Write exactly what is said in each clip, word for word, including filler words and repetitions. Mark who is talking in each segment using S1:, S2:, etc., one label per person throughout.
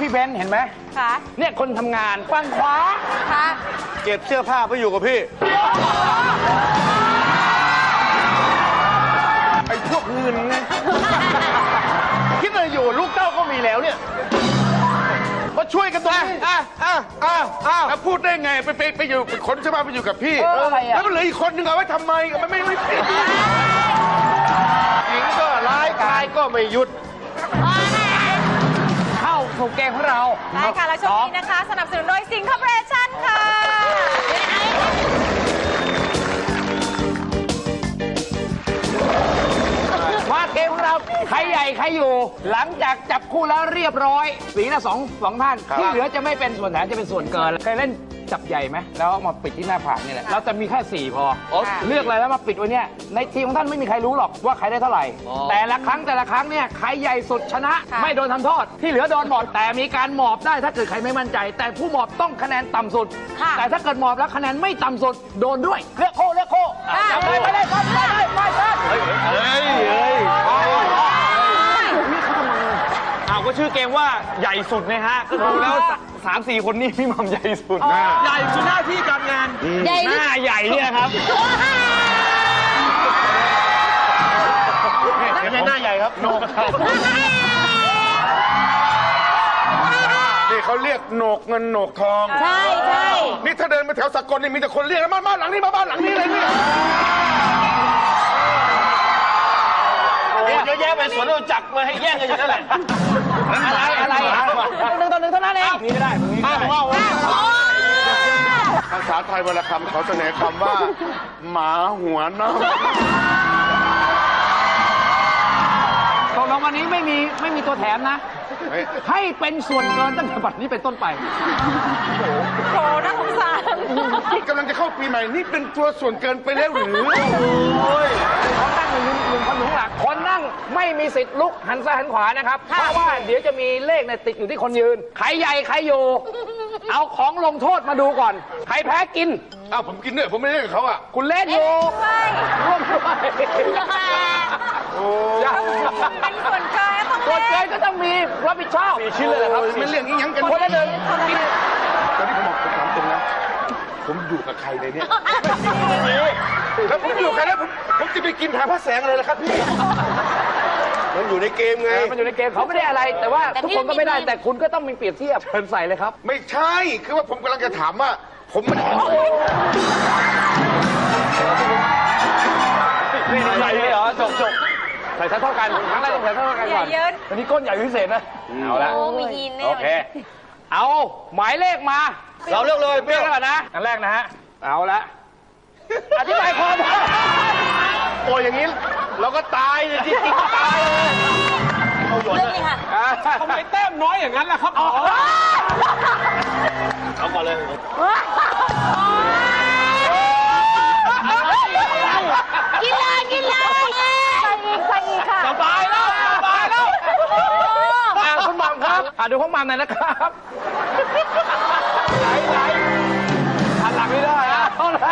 S1: พี่เบนเห็นไหม
S2: ค่ะ
S1: เนี่ยคนทำงานฝั่งขวา
S2: ค่ะ
S3: เก็บเสื้อผ้าไปอยู่กับพี่ไอ้พวกเงินไงคิดอะไรอยู่ลูกเต้าก็มีแล้วเนี่ยมาช่วยกันตรงนี้อ่ะอ่ะอ่ะอ่ะแล้วพูดได้ไงไปไปไปอยู่ไปขนเสื้อผ้าไปอยู่กับพี่แล้วมันเหลืออีกคนนึงเอาไว้ทำไมมันไม่ไม่ผิดหญิงก็ร้ายกายก็ไม่หยุด
S1: เข้าสู่เกมของเรา
S2: ได้ค่ะและช่วงนี้นะคะสนับสนุนโดยสิงคอร์ปอเรชั่นค่ะ
S1: มาเกมของเราใครใหญ่ใครอยู่หลังจากจับคู่แล้วเรียบร้อยสีละสองสองท่านที่เหลือจะไม่เป็นส่วนแถมจะเป็นส่วนเกินเคยเล่นจับใหญ่ไหมแล้วมาปิดที่หน้าผากนี่แหละเราจะมีแค่สี่พอเลือกอะไรแล้วมาปิดไว้เนี่ยในทีมของท่านไม่มีใครรู้หรอกว่าใครได้เท่าไหร่แต่ละครั้งแต่ละครั้งเนี่ยใครใหญ่สุดชนะไม่โดนทำโทษที่เหลือโดนหมอบแต่มีการหมอบได้ถ้าเกิดใครไม่มั่นใจแต่ผู้หมอบต้องคะแนนต่ำสุดแต่ถ้าเกิดหมอบแล้วคะแนนไม่ต่ำสุดโดนด้วยเลือกโค้เลือกโค้จับไปไปเลยไปเลยไปเลย
S3: เฮ้ยเฮ้ยเฮ้ยอ้าวก็ชื่อเกมว่าใหญ่สุดนะฮะก็ดูแล้วสามสี่คนนี้พี่มัมใหญ่สุดใหญ่สุดหน้าที่การงานหน้าใหญ่เนี่ยครับไม่ใช่หน้าใหญ่ครับโหนกนี่เขาเรียกโหนกเงินโหนกทอง
S2: ใช่ใช่
S3: นี่ถ้าเดินไปแถวสกลนี่มีแต่คนเรียกมาบ้านหลังนี้มาบ้านหลังนี้เลยเนี่ยเยอะแยะไปสวนเราจักมาให้แย่งกันอยู่นั่นแหละ
S1: อะไรอะไรหนึ่งต่อหนึ่งเท่านั้นเอง
S3: นี่ไม่ได้นี่ไม่ได้ภาษาไทยวรรณคำเขาเสนอคำว่าหมาหัวเน่า
S1: ตกลงวันนี้ไม่มีไม่มีตัวแถมนะให้เป็นส่วนเกินตั้งแต่บัดนี้เป็นต้นไป
S2: โหน่าสงสาร
S3: ที่กำลังจะเข้าปีใหม่นี่เป็นตัวส่วนเกินไปแล้วหรือโอ้ย
S1: คนนั่งอยู่หนึ่งคนอยู่ข้างหลังคนนั่งไม่มีสิทธิ์ลุกหันซ้ายหันขวานะครับเพราะว่าเดี๋ยวจะมีเลขเนี่ยติดอยู่ที่คนยืนใครใหญ่ใครอยู่เอาของลงโทษมาดูก่อนใครแพ้กิน
S3: อ้าวผมกินด้วยผมไม่เล่นกับเขาอ่ะ
S1: คุณเล่นอยู่ร่วมด้วย
S3: โอ้
S2: เป็นส่วนเกิน
S1: ส่วนเกินก็ต้องมีรับผิดชอบ
S3: สี่ชิ้นเลยครับไม่เรื่องนี้ยังกัน
S1: คนละหนึ่ง
S3: ตอนนี้ผมบอกผมถามตรงนะผมอยู่กับใครเลยเนี่ยแล้วผมอยู่กับใครแล้วผมจะไปกินทางพระแสงอะไรล่ะครับพี่มันอยู่ในเกมไง
S1: มันอยู่ในเกมเขาไม่ได้อะไรแต่ว่าทุกคนก็ไม่ได้แต่คุณก็ต้องมีเปรียบเทียบเพิ่นใส่เลยครับ
S3: ไม่ใช่คือว่าผมกำลังจะถามว่าผมไม่ได้
S1: นี่ใส่เลยเหรอจบจบใส่เท่ากันครั้งแรกต้องใส่เท่ากันก่อนอันนี้ก้นใหญ่พิเศษนะเอาละโอเคเอาหมายเลขมา
S3: เราเลือกเลย
S1: เลือกก่อนนะอันแรกนะฮะเอาละอธิบายความ
S3: โอ้ยอย่างนี้เราก็ตายเลยจริงๆตายเลย
S2: เอาหยดเลยค่ะ
S1: ทำไมแต้มน้อยอย่างนั้นล่ะครับอ๋อ
S3: เอาก่อนเลย
S2: กินเลยกินเลยใส่อีกใส่อีกค่ะ
S1: สบายแล้วสบายแล้วคุณหม่ำครับดูของหม่ำหน่อยนะครับไหนไหนหันหลังไม่ได้นะ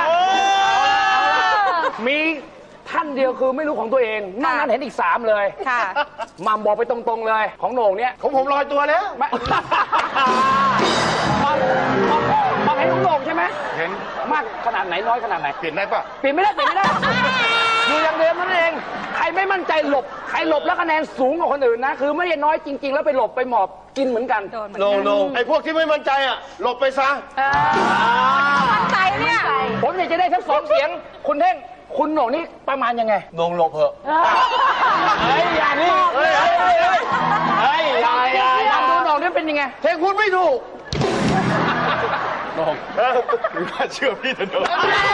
S1: มีท่านเดียวคือไม่รู้ของตัวเองนอกนั้นเห็นอีกสามเลย
S2: ค่ะ
S1: หม่ำบอกไปตรงๆเลยของโหน่งเนี่ย
S3: ของผมลอยตัวแล้ว
S1: หม่ำเห็นของโหน่งใช่ไหม
S3: เห็น
S1: มากขนาดไหนน้อยขนาดไหน
S3: เปลี่ยนได้ปะ
S1: เปลี่ยนไม่ได้เปลี่ยนไม่ได้อยู่อย่างเดิมนั่นเองใครไม่มั่นใจหลบใครหลบแล้วคะแนนสูงกว่าคนอื่นนะคือไม่ได้น้อยจริงๆแล้วไปหลบไปหมอบกินเหมือนกัน
S3: โนโนไอ้พวกที่ไม่มั่นใจอ่ะหลบไปซะ
S2: มั่นใจเนี่ย
S1: ผมอยากจะได้ทั้งสองเสียงคุณเท่งคุณโหน่งนี่ประมาณยังไง
S3: โหน่งหลบเหอะ
S1: เฮ้ยอย่านี่เฮ้ยเฮ้ยเฮ้ยอย่าอย่าอย่าดูโหน่งนี่เป็นยังไง
S3: เท่งพูดไม่ถูกโหน่งหรือว่าเชื่อพี่เถอะโหน่ง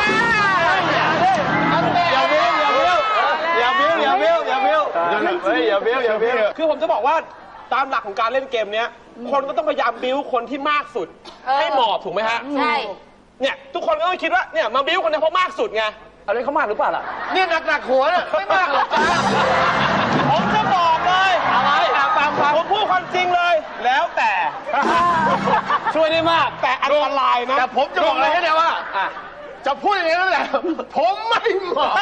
S3: อย่าเบี้ยวอย่าเบี้ยวอย่าเบี้ยวอย่าเบี้ยวอย่าเบี้ยวเฮ้ยอย่าเบี้ยวอย่าเบี้ยว
S4: คือผมจะบอกว่าตามหลักของการเล่นเกมนี้คนก็ต้องพยายามบิ้วคนที่มากสุดให้หมอบถูกไหมฮะ
S2: ใช่
S4: เนี่ยทุกคนก็ต้องคิดว่าเนี่ยมาบิ้วคนนี้เพราะมากสุดไง
S1: อะไรเขามากหรือเปล่าล่ะ
S3: เนี่ยหนักๆหัวเนี่ยไม่มากหรอกจ้า
S4: ผมจะบอกเลย
S1: อะไรฟังฟัง
S4: ผมพูดความจริงเลยแล้วแต่
S1: ช่วยได้มาก
S4: แต่อันตรายนะ
S3: แต่ผมจะบอกอะไรให้ได้ว่าจะพูดอย่างนี้นั่นแหละผมไม่เหมาะ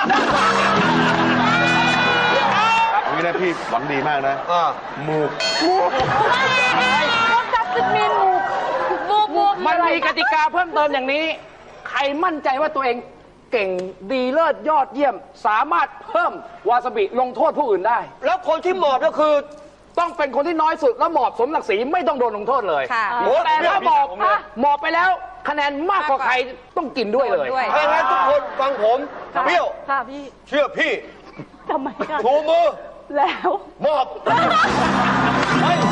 S3: นี่นะพี่หวังดีมากนะมูก
S2: มูกจะมีหมูบูบู
S1: มันมีกติกาเพิ่มเติมอย่างนี้ ใครมั่นใจว่าตัวเองเก่งดีเลิศยอดเยี่ยม สามารถเพิ่มวาซาบิลงโทษผู้อื่นได้
S5: แล้วคนที่หมอบก็คือ
S1: ต้องเป็นคนที่น้อยสุดแล้วหมอบสมศักดิ์ศรีไม่ต้องโดนลงโทษเลย
S2: ค่ะ
S1: แต่ถ้าหมอบหมอบไปแล้วคะแนนมากกว่าใครต้องกินด้วยเลย
S2: ด้วย
S5: ถ้างั้นทุกคนฟังผมเปรี้ยว
S2: ค่ะพี่
S5: เชื่อพี่
S2: ทำไมคะ
S5: ชูมือ
S2: แล้ว
S5: มอบเฮ้ย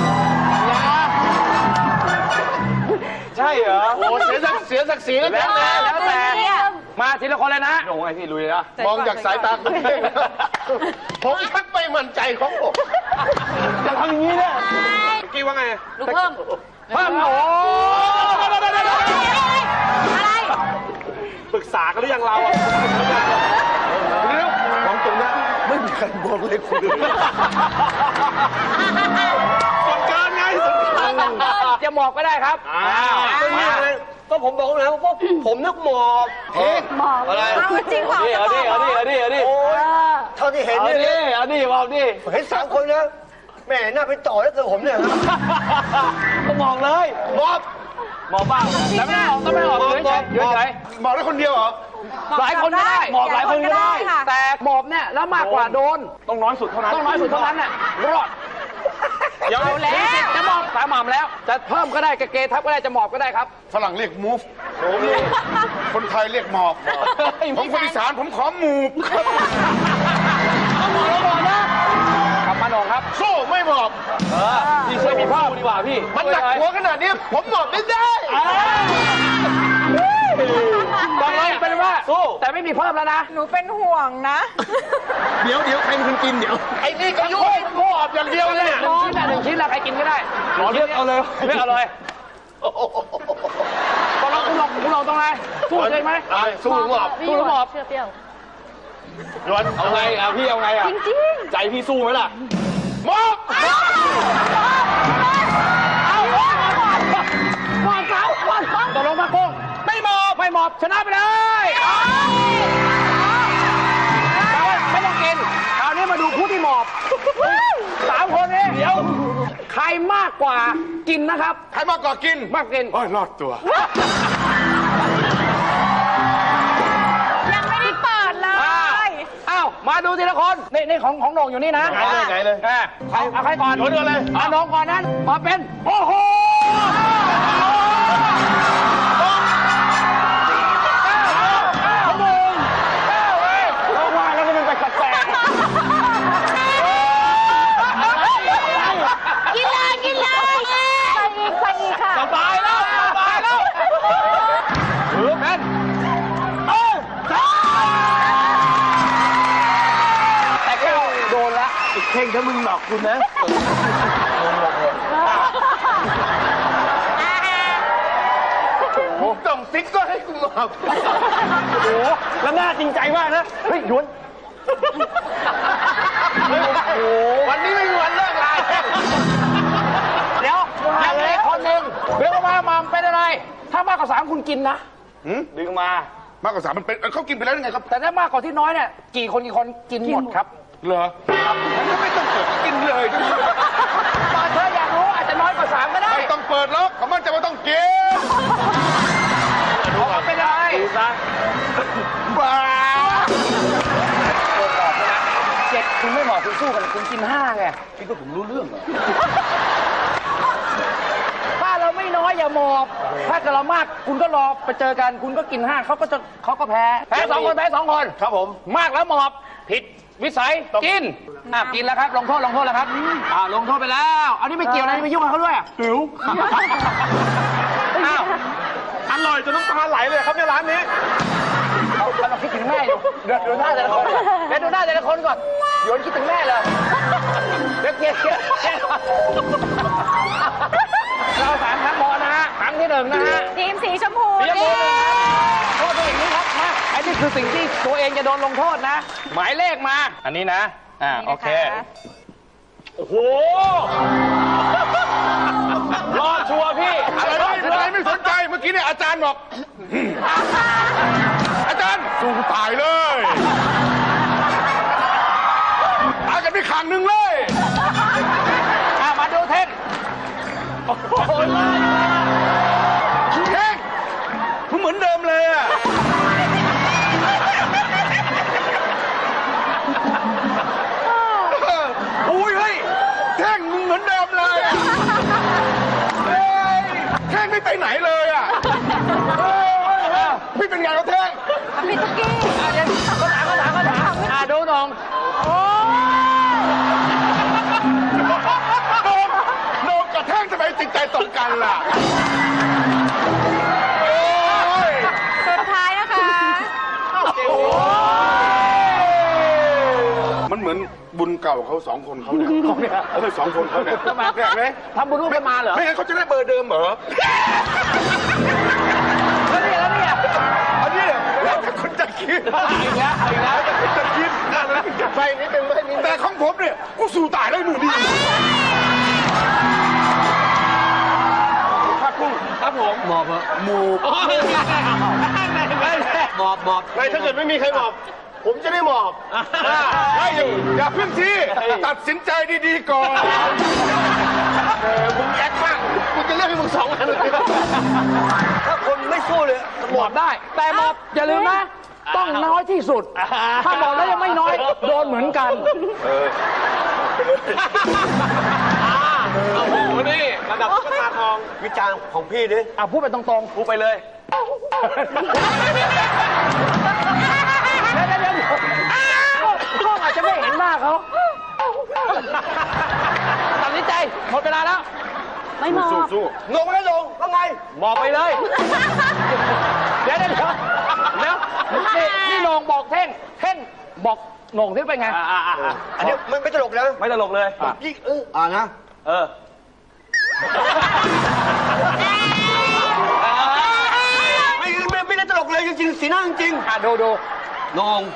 S4: ใช่เหรอ
S3: โอ้เสียศักดิ์เสียศักดิ์ศรีแล้ว
S1: แล้วแต่แล้วแต่
S2: เนี่ย
S1: มาทีละคนเลยนะ
S4: ลงไอ้ที่ลุยนะ
S3: มองจากสายตาคุณเองผมชักไม่มั่นใจของผม
S4: จะทำอย่างนี้เนี่ยกี่ว่าไง
S2: หนูเพิ่ม
S1: เพิ่มโอ้
S2: อะไร
S4: ปรึกษากันหรือยังเราอะ
S3: เรื่องของตรงนี้ไม่มีใครมองเลยคุณ
S4: ส่วนเกินไงส่วนเกิน
S1: จะหมอบก็ได้ครับ
S4: อ่า
S5: ไม่มีอะไรก็ผมบอกแล้วว่าพวกผมนึกหมอบ
S2: หมอ
S5: อะไร
S2: เอาจริงเปล่า
S4: เอาดิเอาดิเอาดิเอาดิ
S5: โอ้ยเท่าที่เห็น
S4: เอา
S5: เนี่ย
S4: ดิเอาดิเอาดิ
S5: เห็นสามคนนะแม่น่าไปต่อแล้วเกิดผมเนี่ยนะ
S4: ก็มองเลย
S5: มอบ
S4: มองบ้าง
S1: แต่ไม่ได้ออกก็ไม่ได้ออกเฉยเฉยเฉยเฉย
S3: บอกได้คนเดียวเหรอ
S1: หลายคนก็ได้
S4: หมอบหลายคนก็ได้
S2: ค่ะ
S1: แต่หมอบเนี่ยแล้วมากกว่าโดน
S4: ต้องน้อยสุดเท่านั้น
S1: ต้องน้อยสุดเท่านั้นน่ะรอด
S4: เดี๋ยว
S1: เอาแล้วจะหมอบสามหม่ำแล้ว จะเพิ่มก็ได้กระเกทับก็ได้จะหมอบก็ได้ครับ
S3: ฝรั่งเรียก move คนไทยเรียกหมอบ ผมคนอีสานผมขอหมูบ
S1: หมอบแล้วหมอบนะขับมาหนองครับ
S3: สู้ไม่หมอบ
S4: พี่ช่วยมีพ่อดีกว่าพี่
S3: มันหนักหัวขนาดนี้ผมหมอบไม่ได้
S1: ตอนนี้เป็นว่า
S4: สู้
S1: แต่ไม่มีเพิ่มแล้วนะ
S2: หนูเป็นห่วงนะ
S3: เดี๋ยวเดี๋ยวใครเป็นคนกินเดี๋ยว ไอ้นี่ก็ยุ่งหมอบอย่างเดียวเลย
S1: หนึ่งชิ้นอะหนึ่งชิ้นละใครกินก็ได้
S4: ขอเลือกเอาเลย
S1: เลือกเอาเลยตอนเราคุณลองคุณลองตรงไหนสู้เลยไหม
S3: ไอ้สู้หมอบ
S1: สู้หรือหมอบ
S2: เชื่อเปรี้ยว
S3: ยวน
S4: เอาไงอ่ะพี่เอาไงอ่ะ
S2: จริง
S4: ใจพี่สู้ไหมล่ะ
S3: หมอบ
S1: เอาหมอบหมอบเขาหมอบเขาตกลงมาโกงไม่หมอบไม่หมอบชนะไปเลยแต่ว่าไม่ต้องกินคราวนี้มาดูผู้ที่หมอบสามคนนี้เดี๋ยวใครมากกว่ากินนะครับ
S3: ใครมากกว่ากิน
S1: มากกิน
S3: โอ้ยรอดตัว
S2: ยังไม่ได้เปิดเล
S1: อ้าวย อ้าวมาดูทีละคนนี่นี่ของของโหน่งอยู่นี่นะ
S3: ไหนเลยไหนเลย
S1: อ่าใครเอาใครก่อน
S3: โหน่งเลย
S1: เอาโหน่งก่อนนั้นมาเป็นโอ้โห
S2: กินเลยกินเลยใส่อีกใส่อีกค่ะ
S1: สบายแล้วสบายแล้วถือเป็นเอ้าแต่แก้วโดนละ
S3: เข่งถ้ามึงหลอกคุณนะผมต้องติ๊กก็ให้คุณหมอบ
S4: โอ้โหแล้วหน้าจริงใจมากนะ เฮ้ยหยวน
S3: โอ้วันนี้ไม่มีวันเลิกลา
S1: เดี๋ยวยังเหลืออกคนหนึ่งเรียกว่ามาเป็นอะไร ถ้ามากกว่าสามคุณกินนะ
S4: ดึงมา
S3: มากกว่าสามมันเป็นเขากินไปแล้วยังไงครับ
S1: แต่ถ้ามากกว่าที่น้อยเนี่ยกี่คนกี่คนกินหมดครับ
S3: เหรอผมก็ไม่ต้องเปิดกินเลย
S1: ตอนเธออยากรู้อาจจะน้อยกว่าสามก็ได้
S3: ไม่ต้องเปิดแล้วเขามั่นใจว่าต้องกิน
S1: เอามาเป็นอะไร
S4: ดูซะ
S3: บ้า
S1: เจ็ดคุณไม่เหมาะคุณสู้กันคุณกินห้าไง
S3: คิดว่าผมรู้เรื่องเหรอ
S1: ถ้าเราไม่น้อยอย่าหมอบ ถ้าเกิดเรามากคุณก็รอไปเจอกัน คุณก็กินห้าเขาก็จะเขาก็แพ้ แพ้สองคนแพ้สองคน
S3: ครับผม
S1: มากแล้วหมอบผิดวิสัยกินอ่ะกินแล้วครับ ลงโทษลงโทษแล้วครับอ่าลงโทษไปแล้วอันนี้ไม่เกี่ยวนะนี่ไม่ยุ่งกับเขาด้วยอ่ะ
S4: หิว
S1: อ้าว
S4: อร่อยจนน้ำตาไหลเลยครับในร้านนี้
S1: เราเราคิดถึงแม่อยู่เดี๋ยวดูหน้าแต่ละคนเดี๋ยวดูหน้าแต่ละคนก่อนโยนคิดถึงแม่เลยเดี๋ยวเกลียดเกลียดเกลียดเราสามครั้งพอนะฮะครั้งที่หนึ่งนะฮะ
S2: ทีมสีชมพู
S1: เรียบ
S2: นี่
S1: ร้อยโทษตัวเองนี้ครับมาไอ้นี่คือสิ่งที่ตัวเองจะโดนลงโทษนะ หมายเลขมา อันนี้นะ อ่า โอเค
S4: โอ้โห รอดชัวร์พี่
S3: อะไรไม่อะไรไม่สนใจเมื่อกี้เนี่ยอาจารย์บอก อาจารย์สู้ตายเลยตายกันไปขังหนึ่งเลย
S1: อ่ามาดูเท่น
S4: โอ้โห
S3: ไม่ไปไหนเลยอ่ะเออเออพี่เป็นไงเขาแท่ง
S2: พี่ตุ๊กกี้
S1: อ่ะเดี๋ยวก็ถามก็ถามก็ถามอ่ะดูน้องโอ้
S3: โดนโดนกระแท่งทำไมจิตใจตรงกันล่ะโอ้ย
S2: สุดท้ายนะคะ
S3: มันเหมือนบุญเก่าเขาสองคนเขาเนี่ยเออสองคนเขาเนี่ย
S1: ทำไม
S3: แปลกไหม
S1: ทำบุญร่วมกันมาเหรอ
S3: ไม่งั้นเขาจะได้เบอร์เดิมเหรอ
S1: แล้วเนี่ยแล้วเนี่ย
S3: อันนี้แล้วแต่คนจะคิด
S1: เอาอีกแล้วเอาอีกแล้ว
S3: แต่คนจะคิดไปนิดนึงไม่นิดแต่ของผมเนี่ยกูสู้ตายได้หนูดีครับกุ้ง
S4: ครับผม
S5: หมอบเหรอ
S3: หมู
S4: โอ้ย
S5: หมอบหมอบ
S3: ไม่ถ้าเกิดไม่มีใครหมอบ ผมจะได้หมอบไม่อยู่อย่าเพิ่งที่ตัดสินใจดีๆก่อนเออมึงแอคมากกูจะเลือกให้มึงสองอันเลย
S5: ถ้าคนไม่สู้เลย
S1: หมอบได้ แต่หมอบอย่าลืมนะ ต้องน้อยที่สุด ถ้าหมอบแล้วยังไม่น้อย โดนเหมือนกัน
S4: โอ้โหนี่ระดับตุ๊กตาทอง
S5: วิจารณ์ของพี่ดิ
S1: อ่ะพูดไปตรงๆ
S4: พูดไปเลย
S1: เดี๋ยวเดี๋ยวเดี๋ยวกล้องอาจจะไม่เห็นหน้าเขาตัดสินใจหมดเวลาแล้ว
S2: ไม่มอง
S3: สู้สู้
S5: ลงไม่ลงว่าไง
S1: หมอบไปเลย เดี๋ยวเดี๋ยวเดี๋ยวเดี๋ยวนี่นี่โหนงบอกเท่ง เท่งบอกโหนงที่เป็นไง
S4: อ่าอ่าอ่า
S5: อันนี้ไม่ไม่ตลกนะ
S4: ไม่ตลกเลย
S5: ยิ่งเอออ่านะ
S4: เออ
S5: ไม่ไม่ไม่ได้ตลกเลยจริงๆสีหน้าจริง
S1: อ่ะดูดู
S5: ๆนง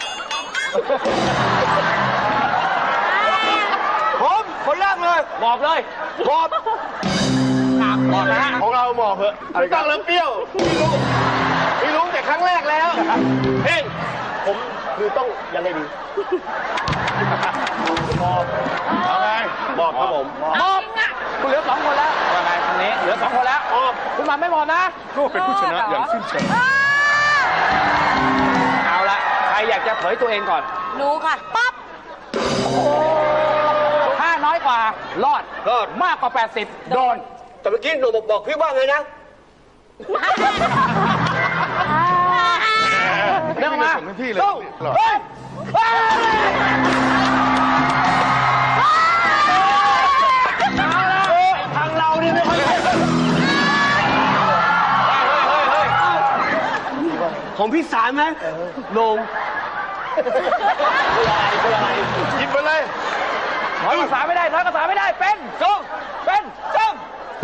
S5: ผมคนแรกเลย
S1: หมอบเลย
S5: หมอบ
S1: หมอบนะฮะ
S3: ของเราหมอบเหอะไม่ต้องแล้วเปรี้ยวพี่รู้พี่รู้แต่ครั้งแรกแล้วเฮ้ยผมคือต้องยังไงดีหมอบเอาไงหมอบครับผม
S1: หมอบคุณเหลือสองคนแล้วว่าไงคนนี้เหลือสองคนแล้วหมอบคุณมาไม่หมอบนะ
S3: ก็เป็นผู้ชนะอย่างสิ้นเชิง
S1: เอาละใครอยากจะเผยตัวเองก่อน
S2: รู้ค่ะ ปั๊บ
S1: ถ้าน้อยกว่า รอด
S5: รอด
S1: มากกว่า แปดสิบ โดน
S5: แต่เมื่อกี้หนูบอกบอกพี่ว่าไงนะ
S1: เรื่องมา
S3: ส่งให้พี่เลย
S1: สู้เฮ้ยเฮ้ยทางเรานี่ไม่ค่อย
S5: ของพี่สารไหมลง
S3: หยิบไปเลย
S1: น้อยภาษาไม่ได้น้อยภาษาไม่ได้ เป็นจงเป็นจง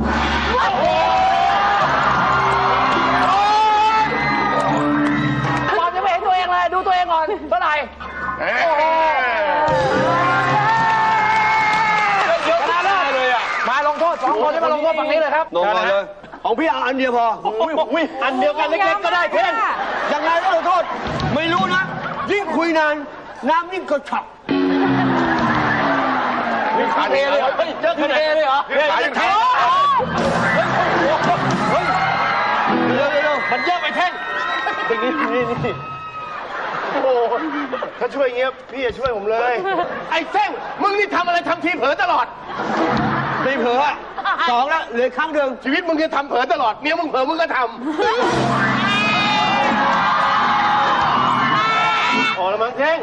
S1: บอลยังไม่เห็นตัวเองเลย ดูตัวเองก่อนเท่าไหร่
S3: เอ้ย
S1: ชนะเลิศเลยอ่ะ มาลงโทษสองคนที่มาลงโทษฝั่งนี้เลยครับ
S5: ลงมาเลย ของพี่เอาอันเดียวพออุ้ยอุ้ยอันเดียวกันเล็กๆก็ได้เพ่งยังไงก็ลงโทษ ไม่รู้นะ ยิ่งคุยนาน น้ำยิ่งกระฉับ
S3: ขาเทเลยเหรอ
S1: เฮ้ยเจอคะแนนเลยเหรอ
S3: เฮ้ยขายังเท
S5: เร็วเร็ว
S1: มันเยอะไปเท่ง
S5: นี่นี่นี่
S3: โอ้โหถ้าช่วยเงี้ยพี่จะช่วยผมเลย ไอ้เส้งมึงนี่ทำอะไรทำทีเผลอตลอด
S5: ไม่เผลอสองแล้วเหลือข้างเดิม
S3: ชีวิตมึงจะทำเผลอตลอด เมียมึงเผลอมึงก็ทำอ๋อแล้วมั้งเท่ง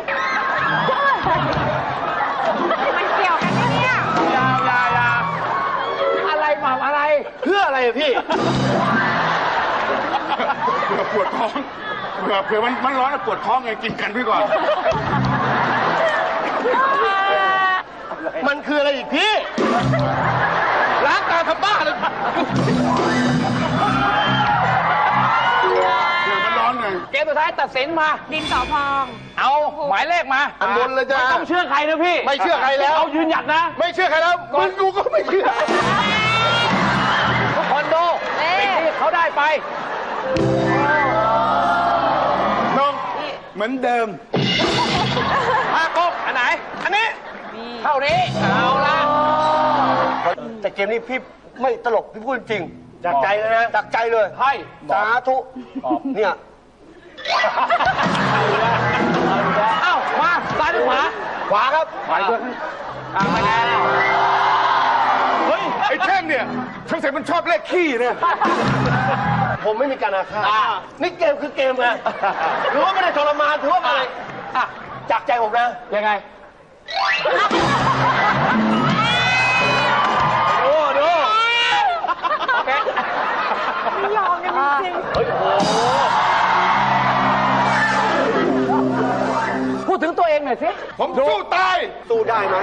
S2: มันเกี่ยวกันไหมเนี่ย
S1: ยาวยาวยาวอะไรหม่ำอะไร
S3: เพื่ออะไรอะพี่ เผื่อปวดท้อง เผื่อเผื่อมันมันร้อนอะปวดท้องไงกินกันพี่ก่อน มันคืออะไรอีกพี่ ล้างตาทำบ้าเลยเดี๋ยวมันร้อนไง
S1: เกมสุดท้ายตัดสินมา
S2: ดินสอพอง
S1: เอาหมายเลขมา
S3: อันบนเลยจ้ะ
S1: ไม่ต้องเชื่อใครนะพี่
S3: ไม่เชื่อใครแล้ว
S1: เอายืนหยัดนะ
S3: ไม่เชื่อใครแล้วมึงกูก็ไม่เชื่อ
S1: ทุกคนดู
S2: เอ๊ะ
S1: สิ่งที่เขาได้ไป
S3: น้องเหมือนเดิม
S1: ห้ากบอันไหน อันนี้ เท่านี้ เอาละ
S5: แต่เกมนี้พี่ไม่ตลกพี่พูดจริง
S3: จากใจเลยนะ
S5: จากใจเลย
S1: ให้
S5: สาธุเนี่ย
S1: เอ้า มาซ้ายหรือขวา
S5: ขวาครับ
S1: ขวาด้วยอ่าไม่แน่
S3: เฮ้ย ไอ้อ้แท่งเนี่ยสงสัยมันชอบเลขขี้เนี่ย
S5: ผมไม่มีการอาฆาตนี่เกมคือเกมไงถือว่าไม่ได้ทรมานถือว่าอะไรอ่ะจากใจผมนะ
S1: ยังไง
S5: ดูดู
S1: โอเค
S2: ไม่ยอมกันจริง
S5: เฮ้ยโอ้โห
S1: พูดถึงตัวเองหน่อยสิ
S3: ผมสู้ตาย
S5: สู้ได้ไหม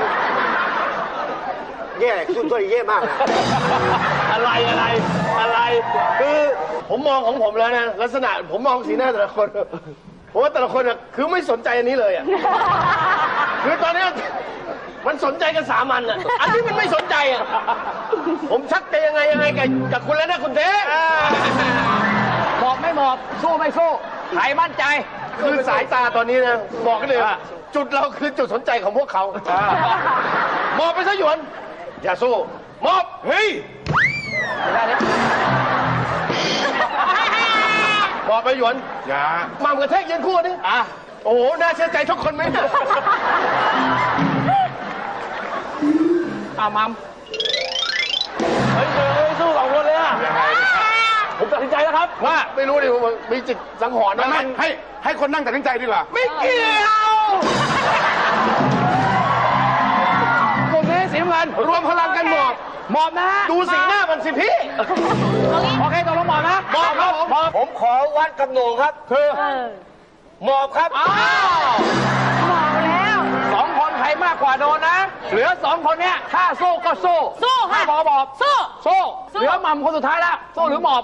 S5: แย่สู้ตัวแย่มากนะอะไรอะไรอะไร คือผมมองของผมแล้วนะลักษณะผมมองสีหน้าแต่ละคนผมว่าแต่ละคนอ่ะคือไม่สนใจอันนี้เลยอ่ะคือตอนเนี้ยมันสนใจกันสามันอ่ะอันนี้มันไม่สนใจอ่ะผมชักจะยังไงยังไงกับกับคุณแล้วนะคุณเต้
S1: หมอบไม่หมอบ สู้ไม่สู้ใครมั่นใจ
S5: คือสายตาตอนนี้นะบอกกันเลย
S1: อ่ะ
S5: จุดเราคือจุดสนใจของพวกเขามอบไปซะหยวน อย่าสู้มอบ
S3: เฮ้ย
S1: ได้ดิ
S5: มอบไปหยวน
S3: อย่า
S5: มามกระแทกยืนคู่นี่
S1: อ่ะ
S5: โอ้โหน่าเชื่อใจทุกคนไหม
S1: เอามัม
S5: เฮ้ยเฮ้ยสู้สองคนเลยอ่ะ
S3: ยังไง
S5: ผมตัดสินใจแล้วครับ ว่าไม่รู้ดิผมมีจิตสังหรณ์
S3: ไม่
S5: นะ
S3: ไม่
S5: มัน
S3: ให้ให้คนนั่งตัดสินใจดีกว่า
S5: ไม่เกี่ยว
S1: กลุ่มนี้สีน้ำเงิน
S5: รวมพลังกันหมอบ
S1: หมอบนะฮะ
S5: ดูสีหน้ามันสิพี่
S1: โอเคตกลงหมอบนะ
S5: หมอบครับผม
S1: หมอบ
S5: ผมขอวัดกับโหน่งครับคือ
S2: ๆเออ
S5: หมอบครับ
S1: อ้าว
S2: บอกแล้ว
S1: สองคนใครมากกว่าโดนนะ เหลือสองคนเนี้ยถ้าสู้ก็สู้
S2: สู้ค่ะ
S1: ถ้าหมอบหมอบ
S2: สู้
S1: สู้
S2: สู้
S1: เหลือหม่ำคนสุดท้ายแล้วสู้หรือหมอบ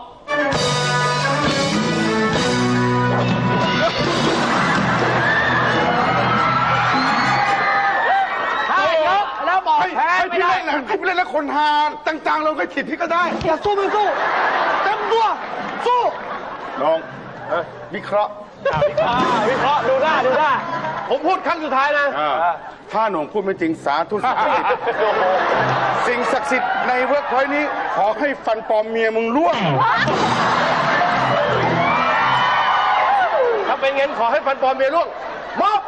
S1: ถ้าเยอะแล้วหมอบ
S3: ให้
S1: แพ้
S3: ให้
S1: ไม่
S3: พี่
S1: ได้
S3: เล่นนะให้พี่เล่นแล้วคนหาจังๆเราก็ผิดพี่ก็ได้
S5: อย่าสู้ไม่สู้เต็มตัวสู้
S3: ลองวิเคราะห์
S5: วิเคราะห์วิเคราะห์ดูได้ดูได้ผมพูดครั้งสุดท้ายนะ
S3: อ่าถ้าหนุ่มพูดไม่จริงสาธุสิ่งศักดิ์สิทธิ์สิ่งศักดิ์สิทธิ์ในเวิร์กพอยต์นี้ ขอให้ฟันปลอมเมียมึงร่วง
S5: ถ้าเป็นงั้นขอให้ฟันปลอมเมียร่วงมอบ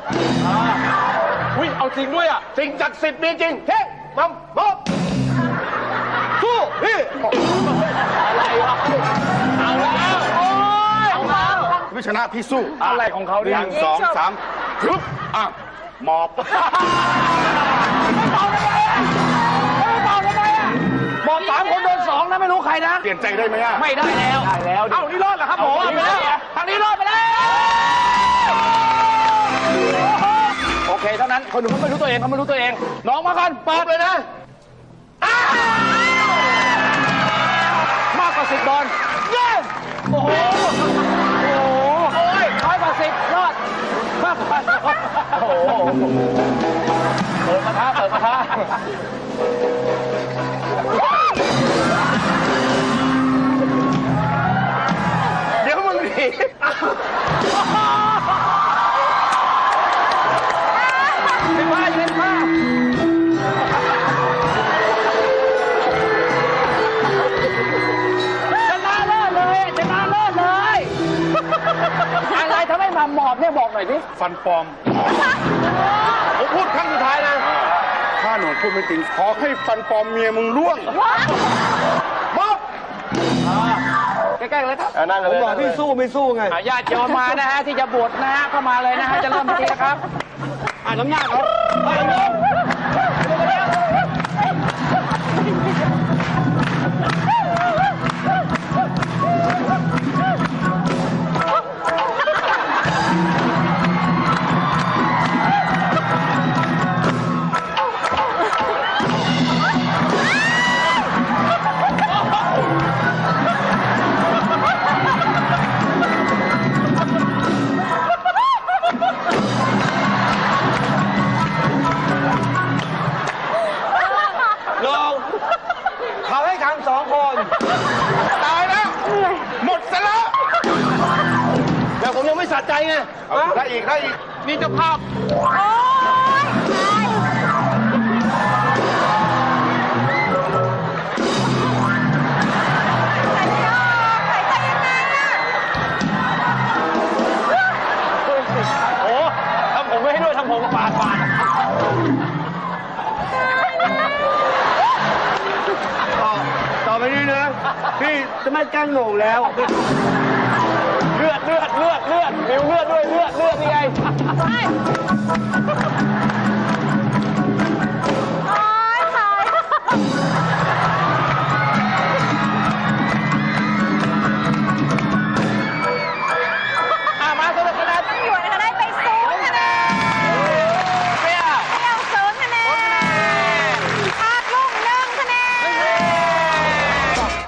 S5: อุ้ยเอาจริงด้วยอ่ะสิ่งศักดิ์สิทธิ์มีจริงเท่งมัมมอบสู้พี่อะไรวะเอาแล้วโอ้ยเอาแล้ว
S3: ไม่ชนะพี่สู้
S1: อะไรของเขา
S3: ห
S1: เนี่ย
S3: นึ่งสองสามทึบอ่ะหมอบ
S1: ไม่เป่าทำไมอ่ะไม่เป่าทำไมอ่ะบอกสามคนโดนสองนะไม่รู้ใครนะ
S3: เปลี่ยนใจได้ไหมอ่ะ
S1: ไม่ได้แล้ว ได้แล้ว เอ้านี่รอดเหรอครับผมรอดไปแล้วทางนี้รอดไปแล้ว โอเคเท่านั้น คนหนึ่งเขาไม่รู้ตัวเองเขาไม่รู้ตัวเอง น้องมาก่อนเปิดเลยนะอ้าวมากกว่าสิบบอลเย้โอ้โห โอ้โหโอ้ยน้อยกว่าสิบรอดมากกว่าโอ้โหเปิดมาท้าเปิดมาท้า
S5: เดี๋ยวมึงหนี
S1: เป็นผ้าเป็นผ้าชนะเลิศเลยชนะเลิศเลย อะไรทำให้มาหมอบเนี่ยบอกหน่อยดิ
S3: ฟันปลอม
S5: ผมพูดครั้งสุดท้ายนะ
S3: ถ้าหนุ่มพูดไม่จริง ขอให้ฟันปลอมเมียมึงร่วง
S5: มอบ
S1: ใกล้ๆเลยครับ
S5: นั่นเลยผมบอกพี่สู้ไม่สู้ไง
S1: อ่ะญาติโยมมานะฮะที่จะบวชนะฮะเข้ามาเลยนะฮะจะเริ่มพิธีแล้วครับ
S5: อ่านน้ำหน้าเขาไปเลย ลงเขาให้ขังสองคน
S3: ตายแล้ว หมดซะแล้ว
S5: แต่ผมยังไม่สะใจไง
S3: เอาได้อีกได้อีก
S1: นี่เจ้าภาพ
S2: โอ๊ยใช่หายใจออกหายใจยังไงอะ
S5: โอ้ทำผมไม่ให้ด้วยทำผมปาดปาดพี่จะไม่แกล้งโหน่งแล้ว
S4: เลือดเลือดเลือดเลือดมิวเลือดด้วยเลือดเลือดนี่ไง
S2: ใช่